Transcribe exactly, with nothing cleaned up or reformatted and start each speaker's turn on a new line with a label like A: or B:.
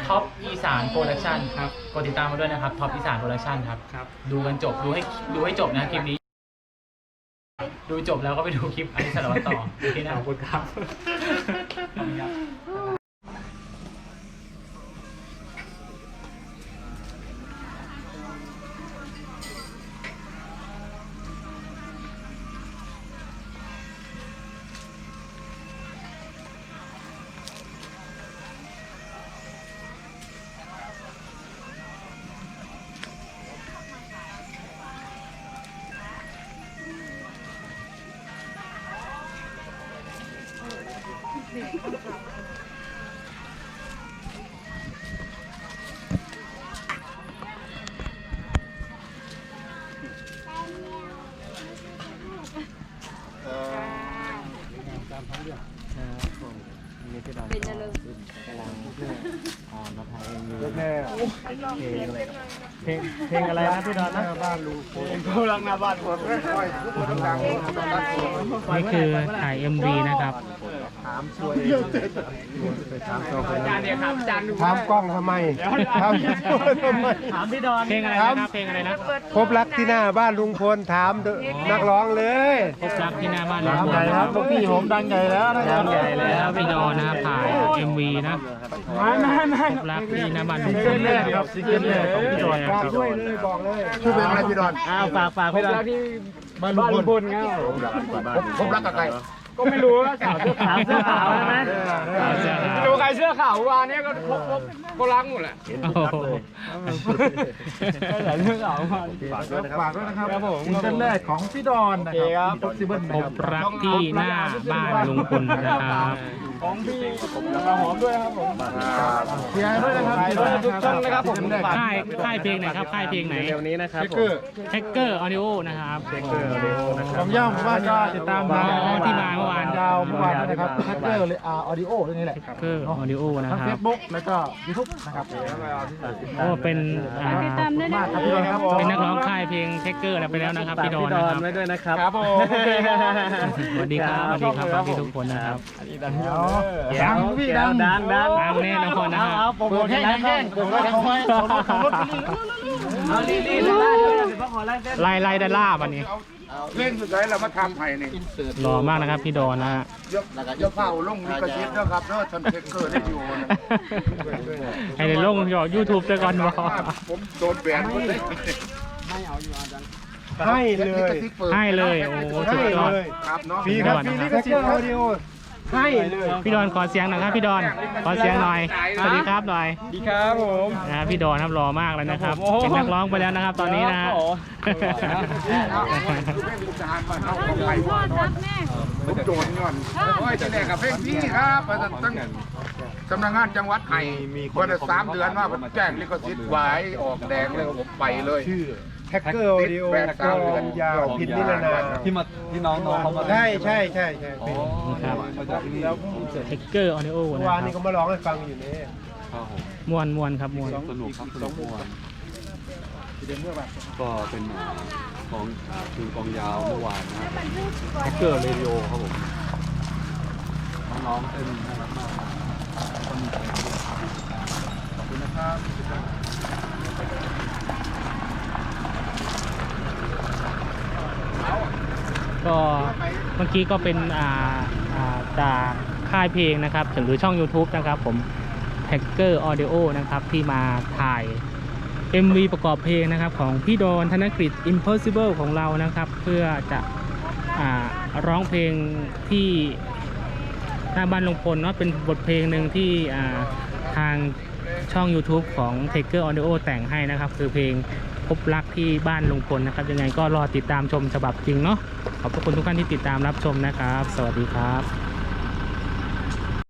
A: ท็อปอีสานโปรดักชั่นครับกดติดตามมาด้วยนะครับท็อปอีสานโปรดักชั่นครับครับดูกันจบดูให้ดูให้จบนะคลิปนี้ดูจบแล้วก็ไปดูคลิปอันนี้สารวัตรต่อโอเคนะขอบคุณครับ
B: เป็นยังไงกำลังอ่ามาถ่ายเอ็มวีเพลงเพลงเพลงอะไรนะพี่ดอนนะบ้านลูกกำลังหน้าบ้านผมนี่คือถ่าย เอ็ม วี นะครับถามช่วยถามตัวอาจารย์เนี่ยครับอาจารย์ถามกล้องทำไมถามทำไมถามพี่ดอนเพลงอะไรนะครับเพลงอะไรนะพบรักที่หน้าบ้านลุงพลถามนักร้องเลยพบรักที่หน้าบ้านลุงพลครับพี่ผมดังใหญ่แล้วดังใหญ่แล้วพี่ดอนนะถ่าย เอ็ม วี นะไม่ไม่ไม่พบรักที่หน้าบ้านลุงพลครับซิงเกิลแรกของพี่ดอนครับช่วยเลยบอกเลยช่วยเป็นอะไรพี่ดอนอ้าวฝากฝากพี่ดอนที่บ้านลุงพลครับพบรักกับใครก็ไม่รู้ว่าสาวเสื้อขาวเสื้อขาวใช่ไหมดูใครเสื้อขาววานนี้ก็พบพบก็รักหมดแหละก็หลายเรื่องขาวมาฝากด้วยนะครับฝากด้วยนะครับซิงเกิลแรกของพี่ดอนนะครับพบรักที่หน้าบ้านลุงพลนะครับของพี่กระหอมด้วยครับผมเชียร์ด้วยนะครับทุกท่านนะครับผมค่ายค่ายเพลงไหนครับค่ายเพลงไหนเร็วนี้นะครับแฮกเกอร์ออดิโอนะครับแฮกเกอร์ออดิโอนะครับผมย่อมว่าจะติดตามมาที่มาเมื่อวานยาวเมื่อวานนะครับแฮกเกอร์ออดิโอเรื่องนี้แหละแฮกเกอร์ออดิโอนะครับทั้งเฟซบุ๊กแล้วก็ยูทูบนะครับโอ้เป็นติดตามได้นะครับเป็นนักร้องค่ายเพลงแฮกเกอร์ไปแล้วนะครับพี่ดอนนะครับไว้ด้วยนะครับครับผมสวัสดีครับสวัสดีครับทุกคนนะครับดังพี่ดังดังดังดังแน่นอนนะครับโปรโมทให้แห้งโปรโมทให้แห้งเอาลีลีไล่ไล่ด้านล่าวันนี้
C: เล่นสุดท้ายเรามาทำไผ่นี่
A: หล่อมากนะครับพี่ดอนนะฮะ
C: ยกยกเผาลงมีกระชิบนะครับเนาะฉันเทคเกอร์ได้อยู่
A: ให้ในลงหยอดยูทูบเจอกันบ่
C: ผมโดนแบนหมดเลยไม่เอาอยู่อาจารย์
A: ให้เลยให้เลยโอ้สุดยอด
C: ครับเนาะ
A: พี่ครับพี่นี่ก็เชื่อออดิโอให้เลยพี่ดอนขอเสียงหน่อยครับพี่ดอนขอเสียงหน่อยสวัสดีครับหน่อย
C: ดีครับผม
A: นะพี่ดอนครับรอมากเลยนะครับเป็นนักร้องไปแล้วนะครับตอนนี้นะ
C: ผมโดนย้อนโอ้ยจะแดกกับเพลงพี่ครับตั้งสำนักงานจังหวัดไห้มีคนสามเดือนว่าผมแจ้งลิขสิทธิ์ไว้ออกแดงเลยผมไปเลย
B: ชื่อแฮกเกอร์ออดิโอก็ยาวพินนิรนามที่มาที่น้องน้องเขามาใช่ใช่ใช่ใช่
A: ครับแล้วแฮกเกอร์ออดิโอนะ
B: วานนี้ก็มาร้องให้ฟังอยู่นี่
A: มวนมวนครับมวน
D: สนุกครับสนุกมวนก็เป็นของคือกองยาวเมื่อวานนะแฮกเกอร์เรดิโอครับผมน้องๆเต้นน่ารักมากขอบคุณนะครับ
A: ก็เมื่อกี้ก็เป็นอ่าอ่าจากค่ายเพลงนะครับหรือช่อง ยูทูบ นะครับผม Hacker Audio นะครับที่มาถ่าย เอ็ม วี ประกอบเพลงนะครับของพี่ดอนธนกฤษ Impossible ของเรานะครับเพื่อจะอ่าร้องเพลงที่หน้าบ้านลุงพลเนาะเป็นบทเพลงหนึ่งที่อ่าทางช่อง ยูทูบ ของ Hacker Audio แต่งให้นะครับคือเพลงพบรักที่บ้านลุงพลนะครับยังไงก็รอติดตามชมฉบับจริงเนาะขอบคุณทุกท่านที่ติดตามรับชมนะครับสวัสดีครับ